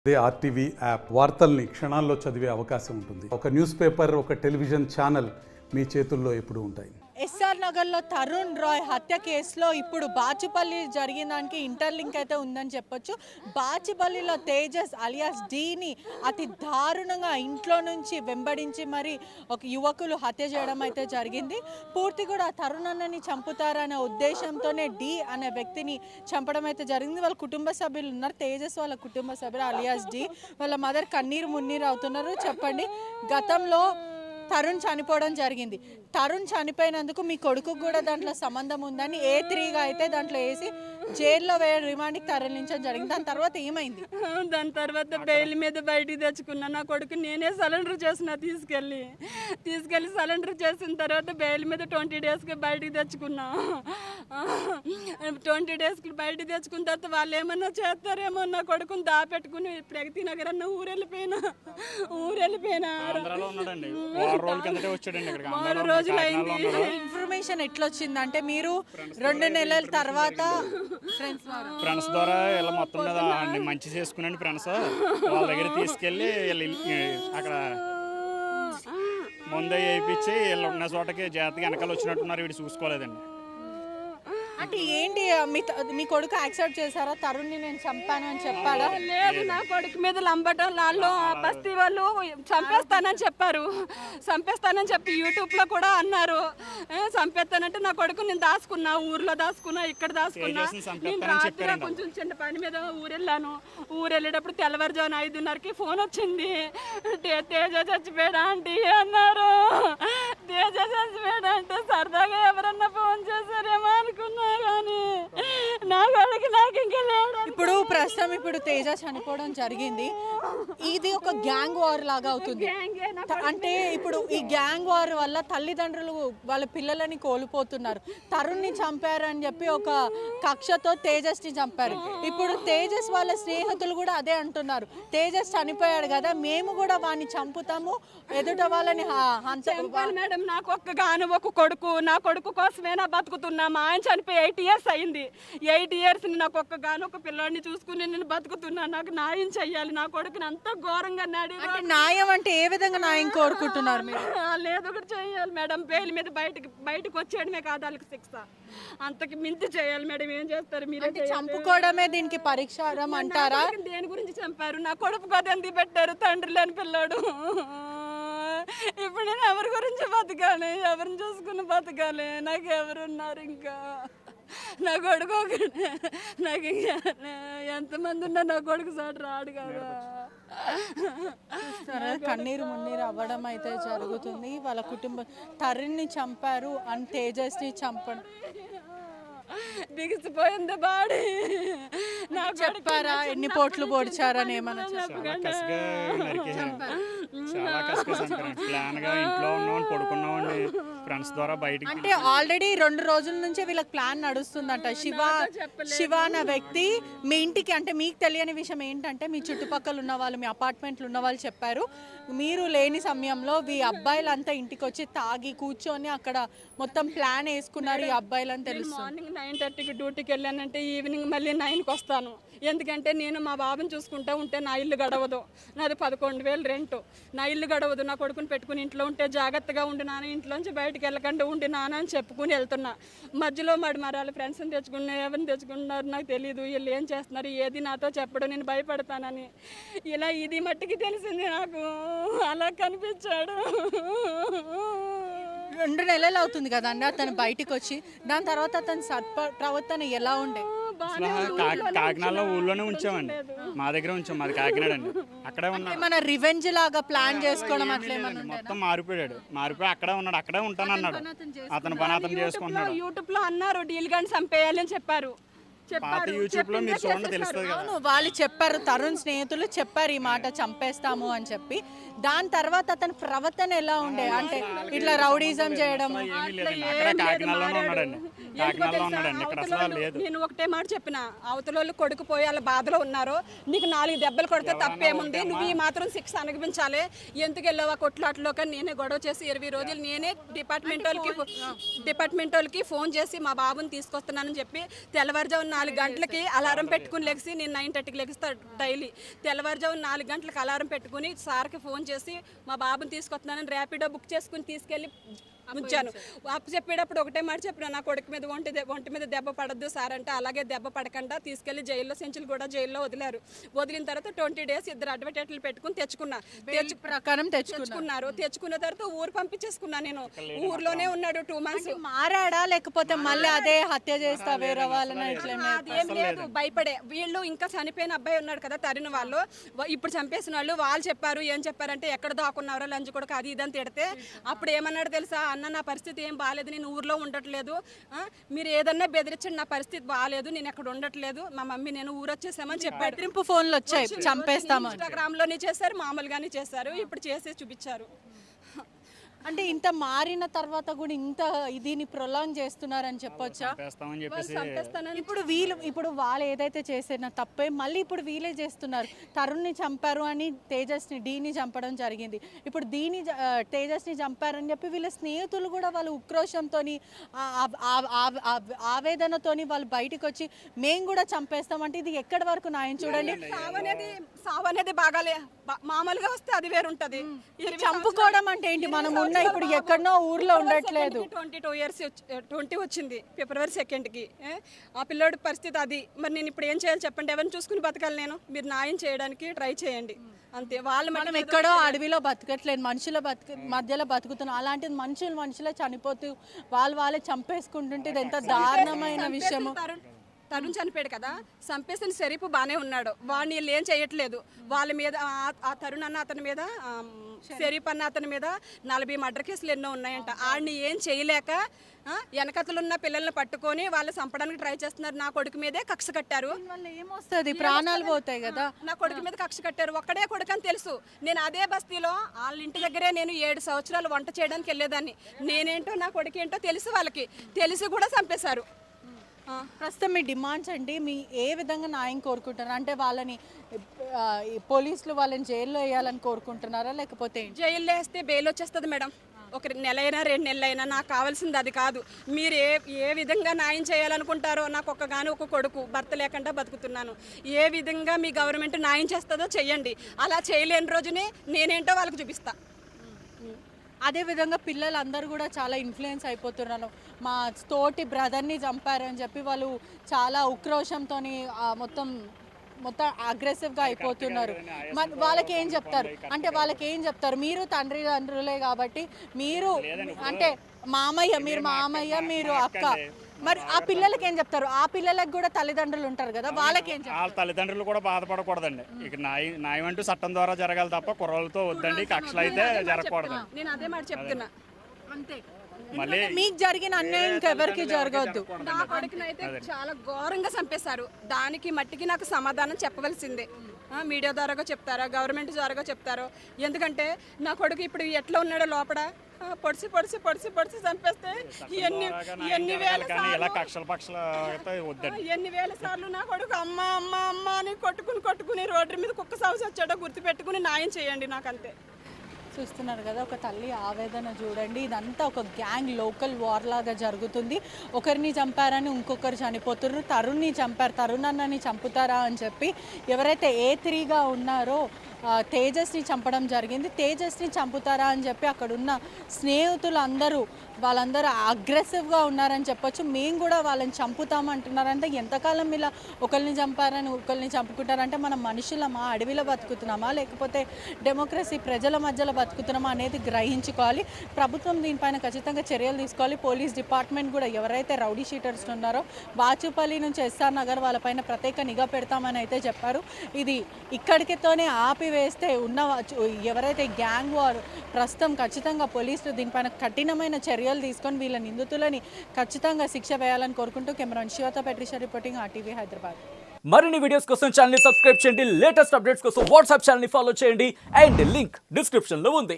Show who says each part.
Speaker 1: అదే RTV app వార్తల్ని క్షణాల్లో చదివే అవకాశం ఉంటుంది. ఒక న్యూస్ పేపర్, ఒక టెలివిజన్ ఛానల్ మీ చేతుల్లో ఎప్పుడూ ఉంటాయి.
Speaker 2: ఎస్ఆర్ నగర్లో తరుణ్ రాయ్ హత్య కేసులో ఇప్పుడు బాచుపల్లి జరిగిన దానికి ఇంటర్లింక్ అయితే ఉందని చెప్పొచ్చు. బాచుపల్లిలో తేజస్ అలియాస్ డీని అతి దారుణంగా ఇంట్లో నుంచి వెంబడించి మరి ఒక యువకులు హత్య చేయడం అయితే జరిగింది. పూర్తి కూడా తరుణ్ అన్నని చంపుతారనే ఉద్దేశంతోనే డి అనే వ్యక్తిని చంపడం అయితే జరిగింది. వాళ్ళ కుటుంబ సభ్యులు ఉన్నారు. తేజస్ వాళ్ళ కుటుంబ సభ్యులు అలియాస్ డి వాళ్ళ మదర్ కన్నీరు మున్నీరు అవుతున్నారు. చెప్పండి, గతంలో తరుణ్ చనిపోవడం జరిగింది. తరుణ్ చనిపోయినందుకు మీ కొడుకు కూడా దాంట్లో సంబంధం ఉందని A3గా అయితే దాంట్లో వేసి జైల్లో రిమాండ్కి తరలించడం జరిగింది. దాని తర్వాత ఏమైంది?
Speaker 3: దాని తర్వాత బెయిల్ మీద బయటికి తెచ్చుకున్నా. నా కొడుకు నేనే సరెండర్ చేసిన తీసుకెళ్ళి సరెండర్ చేసిన తర్వాత బెయిల్ మీద 20 డేస్కి బయటికి తెచ్చుకున్నా. 20 డేస్కి బయటికి తెచ్చుకున్న తర్వాత వాళ్ళు ఏమన్నా చేస్తారేమో నా కొడుకుని దాపెట్టుకుని ప్రగతి నగర్ అన్న ఊరెళ్ళిపోయినా. 3 రోజులైంది.
Speaker 2: ఇన్ఫర్మేషన్ ఎట్లా వచ్చిందంటే మీరు 2 నెలల తర్వాత
Speaker 4: ఫ్రెండ్స్ ద్వారా ఇలా మొత్తం మీద మంచి చేసుకున్నాండి. ఫ్రెండ్స్ వాళ్ళ దగ్గర తీసుకెళ్ళి అక్కడ ముందే వేయించి వీళ్ళు ఉన్న చోటకి జాగ్రత్తగా వెనకాల వచ్చినట్టున్నారు. వీడు చూసుకోలేదండి.
Speaker 2: అంటే ఏంటి మీ కొడుకు యాక్సెప్ట్ చేశారా తరుణ్ని నేను చంపాను అని చెప్పాడా?
Speaker 3: లేదు, నా కొడుకు మీద లంబటం వాళ్ళు బస్తీ వాళ్ళు చంపేస్తానని చెప్పి యూట్యూబ్లో కూడా అన్నారు. చంపేస్తానంటే నా కొడుకు నేను దాచుకున్నా, ఊర్లో దాచుకున్నా, ఇక్కడ దాచుకున్నా. నేను రాత్రి కొంచెం చిన్న పని మీద ఊరెళ్ళేటప్పుడు తెల్లవారుజామున 5:30కి ఫోన్ వచ్చింది. తేజ చచ్చిపోయాడా ఆంటీ అన్నారు. తేజ చచ్చిపోయాడా అంటే సరదాగా ఎవరన్నా ఫోన్ చేశారేమో అనుకున్నా.
Speaker 2: ఇప్పుడు ప్రస్తుతం తేజ చనిపోవడం జరిగింది. ఇది ఒక గ్యాంగ్ వార్ లాగా అవుతుంది. అంటే ఇప్పుడు ఈ గ్యాంగ్ వార్ వల్ల తల్లిదండ్రులు వాళ్ళ పిల్లలని కోల్పోతున్నారు. తరుణ్ని చంపారని చెప్పి ఒక కక్షతో తేజస్ని చంపారు. ఇప్పుడు తేజస్ వాళ్ళ స్నేహితులు కూడా అదే అంటున్నారు. తేజస్ చనిపోయాడు కదా, మేము కూడా వాడిని చంపుతాము, ఎదుట వాళ్ళని
Speaker 3: మేడం. నాకు ఒక కొడుకు, నా కొడుకు కోసమే నా బతుకుతున్నా. మా ఆయన చనిపోయి 8 ఇయర్స్ అయింది. 8 ఇయర్స్ నాకు ఒక పిల్లాడిని చూసుకుని నేను బతుకుతున్నా. నాకు న్యాయం చెయ్యాలి. నా కొడుకుని అంత ఘోరంగా
Speaker 2: న్యాయం అంటే ఏ విధంగా న్యాయం కోరుకుంటున్నారు మీరు?
Speaker 3: లేదు, ఒకటి చెయ్యాలి మేడం. బెయిల్ మీద బయటకు వచ్చేయడమే కాదు వాళ్ళకి శిక్ష, అంతకి మించి చేయాలి మేడం. ఏం చేస్తారు మీరు?
Speaker 2: చంపుకోవడమే దీనికి పరిష్కారం అంటారా?
Speaker 3: దేని గురించి చంపారు? నా కొడుకు గదంది పెట్టారు, తండ్రి లేని పిల్లాడు. ఇప్పుడు నేను ఎవరి గురించి బతకాలి? ఎవరిని చూసుకుని బతకాలి? నాకు ఎవరున్నారు? ఇంకా నా కొడుకు నాకు ఎంతమంది ఉన్నా నా కొడుకు సార్ రాడు కదా.
Speaker 2: కన్నీరు మున్నీరు అవ్వడం అయితే జరుగుతుంది. వాళ్ళ కుటుంబం తరుణ్ని చంపారు అని తేజస్ని చంపడం
Speaker 3: బిగిసిపోయింది బాడీ. నాకు
Speaker 2: చెప్పారా ఎన్ని పోట్లు పొడిచారని? ఏమన్నా అంటే ఆల్రెడీ 2 రోజుల నుంచి వీళ్ళకి ప్లాన్ నడుస్తుందంట. శివ అన్న వ్యక్తి మీ ఇంటికి, అంటే మీకు తెలియని విషయం ఏంటంటే మీ చుట్టుపక్కల ఉన్న వాళ్ళు, మీ అపార్ట్మెంట్లు ఉన్న వాళ్ళు చెప్పారు, మీరు లేని సమయంలో ఈ అబ్బాయిలంతా ఇంటికి వచ్చి తాగి కూర్చొని అక్కడ మొత్తం ప్లాన్ వేసుకున్నారు ఈ అబ్బాయిలని తెలుసు.
Speaker 3: మార్నింగ్ 9:30కి డ్యూటీకి వెళ్ళానంటే ఈవినింగ్ మళ్ళీ 9కి వస్తాను. ఎందుకంటే నేను మా బాబుని చూసుకుంటూ ఉంటే నా ఇల్లు గడవదు. నాది 11,000 రెంట్. నా ఇల్లు గడవదు. నా కొడుకుని పెట్టుకుని ఇంట్లో ఉంటే జాగ్రత్తగా ఉండి నాన్న, ఇంట్లోంచి బయటకు వెళ్ళకుండా ఉండి నాన్న అని చెప్పుకుని వెళ్తున్నా. మధ్యలో మరాలి ఫ్రెండ్స్ని తెచ్చుకున్నా, ఎవరిని తెచ్చుకున్నారు నాకు తెలియదు. వీళ్ళు ఏం చేస్తున్నారు ఏది నాతో చెప్పడం, నేను భయపడతానని. ఇలా ఇది మట్టికి తెలిసింది నాకు. అలా కనిపించాడు.
Speaker 2: 2 నెలలు అవుతుంది కదండి అతను బయటికి వచ్చి. దాని తర్వాత అతని ప్రవర్తన ఎలా ఉండే?
Speaker 4: కాకినాడలో ఊళ్ళోనే ఉంచామండి. మా దగ్గర ఉంచాం. మాది కాకినాడ అండి. అక్కడే ఉన్నాడు.
Speaker 2: మన రివెంజ్ లాగా ప్లాన్ చేసుకోవడం అట్లా
Speaker 4: మొత్తం మారిపోయి అక్కడే ఉన్నాడు. అక్కడే ఉంటానన్నాడు. అతను పని అతను చేసుకుంటున్నాడు.
Speaker 3: యూట్యూబ్ లో అన్నారు డీల్ గాని చంపేయాలని చెప్పారు.
Speaker 2: వాళ్ళు చెప్పారు, తరుణ్ స్నేహితులు చెప్పారు ఈ మాట, చంపేస్తాము అని చెప్పి. దాని తర్వాత అతని ప్రవర్తన ఎలా ఉండే? అంటే ఇట్లా రౌడీజం చేయడం
Speaker 4: కాకినాడలో ఉన్నాడండి, ఇక్కడ అసలు లేదు.
Speaker 3: నేను ఒకటే మాట చెప్పిన, అవతల కొడుకు పోయి వాళ్ళ బాధలో ఉన్నారు, నీకు 4 దెబ్బలు కొడితే తప్పేముంది, నువ్వు ఈ మాత్రం శిక్ష అనుభవించాలి, ఎందుకు వెళ్ళావా కొట్లాట్లో. కానీ నేనే గొడవ చేసి 20 రోజులు నేనే డిపార్ట్మెంట్ వాళ్ళకి ఫోన్ చేసి మా బాబుని తీసుకొస్తున్నానని చెప్పి తెల్లవారుజామున 4 గంటలకి అలారం పెట్టుకుని లెగిసి, నేను 9:30కి లెగిస్తా డైలీ. తెల్లవారుజామున 4 గంటలకు అలారం పెట్టుకుని సార్కి ఫోన్ చేసి మా బాబుని తీసుకొస్తున్నానని ర్యాపిడో బుక్ చేసుకుని తీసుకెళ్ళి ఉంచాను. అప్పు చెప్పేటప్పుడు ఒకటే మాట చెప్పిన, నా కొడుకు మీద ఒంటి మీద దెబ్బ పడద్దు సార్ అంటే, అలాగే దెబ్బ పడకుండా తీసుకెళ్లి జైల్లో సెంచులు కూడా జైల్లో వదిలారు. వదిలిన తర్వాత 20 days 2 అడ్వకేట్లు పెట్టుకుని
Speaker 2: ప్రకారం
Speaker 3: తెచ్చుకున్నారు. తెచ్చుకున్న తర్వాత ఊరు పంపించేసుకున్నా. నేను ఊర్లోనే ఉన్నాడు 2 months.
Speaker 2: మారాడా లేకపోతే మళ్ళీ అదే హత్య చేస్తా వేరే వాళ్ళని
Speaker 3: అదేం లేదు, భయపడే. వీళ్ళు ఇంకా చనిపోయిన అబ్బాయి ఉన్నాడు కదా తరిన వాళ్ళు, ఇప్పుడు చంపేసిన వాళ్ళు చెప్పారు. ఏం చెప్పారంటే, ఎక్కడ దాక్కున్నారో లంచ్ కూడా అది ఇదని తిడితే, అప్పుడు ఏమన్నాడు తెలుసా, అన్న నా పరిస్థితి ఏం బాగాలేదు, నేను ఊర్లో ఉండట్లేదు, మీరు ఏదన్నా బెదిరించండి, నా పరిస్థితి బాగాలేదు, నేను ఎక్కడ ఉండట్లేదు, మా మమ్మీ నేను ఊరు వచ్చేసామని చెప్పాడు.
Speaker 2: బెదిరింపు ఫోన్లు వచ్చాయి, చంపేస్తాము.
Speaker 3: ఇన్స్టాగ్రామ్లోనే చేశారు, మామూలుగానే చేశారు, ఇప్పుడు చేసి చూపించారు.
Speaker 2: అంటే ఇంత మారిన తర్వాత కూడా ఇంత దీన్ని ప్రొలాంగ్ చేస్తున్నారని చెప్పొచ్చా? ఇప్పుడు వాళ్ళు ఏదైతే చేసిన తప్పే మళ్ళీ ఇప్పుడు వీళ్ళే చేస్తున్నారు. తరుణ్ని చంపారు అని తేజస్ని డీని చంపడం జరిగింది. ఇప్పుడు తేజస్ని చంపారని చెప్పి వీళ్ళ స్నేహితులు కూడా వాళ్ళు ఉక్రోషంతో ఆవేదనతోని వాళ్ళు బయటకు వచ్చి మేము కూడా చంపేస్తామంటే ఇది ఎక్కడి వరకు న్యాయం? చూడండి,
Speaker 3: సావు అనేది బాగాలే, మామూలుగా వస్తే అది వేరుంటది.
Speaker 2: చంపుకోవడం అంటే ఏంటి? మనం ఉన్న ఇప్పుడు ఎక్కడనో ఊర్లో ఉండట్లేదు.
Speaker 3: 22 years 20 వచ్చింది February 2nd. ఆ పిల్లోడి పరిస్థితి అది. మరి నేను ఇప్పుడు ఏం చేయాలి చెప్పండి? ఎవరిని చూసుకుని బతకాలి నేను? మీరు న్యాయం చేయడానికి ట్రై చేయండి అంతే.
Speaker 2: మనం ఎక్కడో అడవిలో బతకట్లేదు, మనుషుల మధ్యలో బతుకుతున్నాం. అలాంటిది మనుషులే చనిపోతూ వాళ్ళే చంపేసుకుంటుంటే ఇది ఎంత దారుణమైన విషయము.
Speaker 3: తరుణ్ చనిపోయాడు కదా, చంపేసిన షరీఫ్ బాగానే ఉన్నాడు, వాడిని వీళ్ళు ఏం చేయట్లేదు. వాళ్ళ మీద ఆ తరుణ్ అన్న అతని మీద, షరీఫ్ అన్న అతని మీద 40 మర్డర్ కేసులు ఎన్నో ఉన్నాయంట. ఆడిని ఏం చేయలేక వెనకతలున్న పిల్లల్ని పట్టుకొని వాళ్ళు చంపడానికి ట్రై చేస్తున్నారు. నా కొడుకు మీదే కక్ష కట్టారు.
Speaker 2: ఏమొస్తుంది, ప్రాణాలు పోతాయి కదా.
Speaker 3: నా కొడుకు మీద కక్ష కట్టారు. ఒక్కడే కొడుకు అని తెలుసు. నేను అదే బస్తీలో వాళ్ళ ఇంటి దగ్గరే నేను 7 సంవత్సరాలు వంట చేయడానికి వెళ్ళేదాన్ని. నేనేంటో నా కొడుకు ఏంటో తెలుసు వాళ్ళకి, తెలిసి కూడా చంపేశారు.
Speaker 2: ప్రస్తుతం మీ డిమాండ్స్ అండి, మీ ఏ విధంగా న్యాయం కోరుకుంటున్నారు? అంటే వాళ్ళని పోలీసులు వాళ్ళని జైల్లో వేయాలని కోరుకుంటున్నారా, లేకపోతే
Speaker 3: జైల్లో వేస్తే బెయిల్ వచ్చేస్తుంది మేడం? 1 నెల అయినా 2 నెలలు అయినా. నాకు కావాల్సింది అది కాదు. మీరు ఏ విధంగా న్యాయం చేయాలనుకుంటారో, నాకు ఒక కొడుకు, భర్త లేకుండా బతుకుతున్నాను, ఏ విధంగా మీ గవర్నమెంట్ న్యాయం చేస్తుందో చెయ్యండి. అలా చేయలేని రోజునే నేనేంటో వాళ్ళకి చూపిస్తా.
Speaker 2: అదేవిధంగా పిల్లలందరూ కూడా చాలా ఇన్ఫ్లుయెన్స్ అయిపోతున్నారు. మా తోటి బ్రదర్ని చంపారని చెప్పి వాళ్ళు చాలా ఉక్రోషంతో మొత్తం అగ్రెసివ్గా అయిపోతున్నారు. వాళ్ళకి ఏం చెప్తారు? మీరు తండ్రులే కాబట్టి మీరు అంటే మీరు మామయ్య మీరు అక్క, మరి ఆ పిల్లలకి ఏం చెప్తారు? ఆ పిల్లలకు కూడా తల్లిదండ్రులు ఉంటారు కదా, వాళ్ళకి ఏం చెప్తారు?
Speaker 4: వాళ్ళ తల్లిదండ్రులు కూడా బాధపడకూడదండి. ఇక న్యాయం అంటూ చట్టం ద్వారా జరగాలి తప్ప కుర్రలతో వద్దండి, కక్షలు అయితే జరగకూడదు.
Speaker 3: నేను అదే మాట చెప్తున్నా
Speaker 2: అంతే. మీకు జరిగిన అన్యాయం ఇంకెవరికి జరగవద్దు.
Speaker 3: నా కొడుకునైతే చాలా ఘోరంగా చంపేశారు. దానికి మట్టికి నాకు సమాధానం చెప్పవలసిందే. మీడియా ద్వారాగా చెప్తారా, గవర్నమెంట్ ద్వారాగా చెప్తారో? ఎందుకంటే నా కొడుకు ఇప్పుడు ఎట్లా ఉన్నాడో లోపల పొడిసి చంపేస్తే ఎన్ని వేల సార్లు నా కొడుకు అమ్మ అమ్మ అమ్మ అని కొట్టుకుని రోడ్డు మీద కుక్క సాగు వచ్చాడో గుర్తు పెట్టుకుని న్యాయం చేయండి నాకంతే.
Speaker 2: చూస్తున్నారు కదా, ఒక తల్లి ఆవేదన చూడండి. ఇదంతా ఒక గ్యాంగ్ లోకల్ వార్ లాగా జరుగుతుంది. ఒకరిని చంపారని ఇంకొకరు చనిపోతున్నారు. తరుణ్ని చంపారు, తరుణ్ అన్నని చంపుతారా అని చెప్పి ఎవరైతే A3గా ఉన్నారో తేజస్ని చంపడం జరిగింది. తేజస్ని చంపుతారా అని చెప్పి అక్కడున్న స్నేహితులు వాళ్ళందరూ అగ్రెసివ్గా ఉన్నారని చెప్పొచ్చు. మేము కూడా వాళ్ళని చంపుతామంటున్నారంటే ఎంతకాలం ఇలా ఒకరిని చంపారని ఒకరిని చంపుకుంటారంటే మనం మనుషులమా, అడవిలో బతుకుతున్నామా, లేకపోతే డెమోక్రసీ ప్రజల మధ్యలో బతుకుతున్నామా అనేది గ్రహించుకోవాలి. ప్రభుత్వం దీనిపైన ఖచ్చితంగా చర్యలు తీసుకోవాలి. పోలీస్ డిపార్ట్మెంట్ కూడా ఎవరైతే రౌడీ షీటర్స్ ఉన్నారో బాచుపల్లి నుంచి SR నగర్ వాళ్ళపైన ప్రత్యేక నిఘా పెడతామని అయితే చెప్పారు. ఇది ఇక్కడికితోనే ఆపివేస్తే ఎవరైతే గ్యాంగ్ వార్ ప్రస్తుతం ఖచ్చితంగా పోలీసులు దీనిపైన కఠినమైన చర్యలు తీసుకొని వీళ్ళ నిందితులని ఖచ్చితంగా శిక్ష వేయాలని కోరుకుంటూ కెమెరాన్ శివతో పెట్రిషా రిపోర్టింగ్ RTV హైదరాబాద్.
Speaker 5: మరిన్ని వీడియోస్ కోసం ఛానల్ ని సబ్స్క్రైబ్ చేయండి, లేటెస్ట్ అప్డేట్స్ కోసం వాట్సాప్ ఛానల్ ని ఫాలో చేయండి అండ్ లింక్ డిస్క్రిప్షన్ లో ఉంది.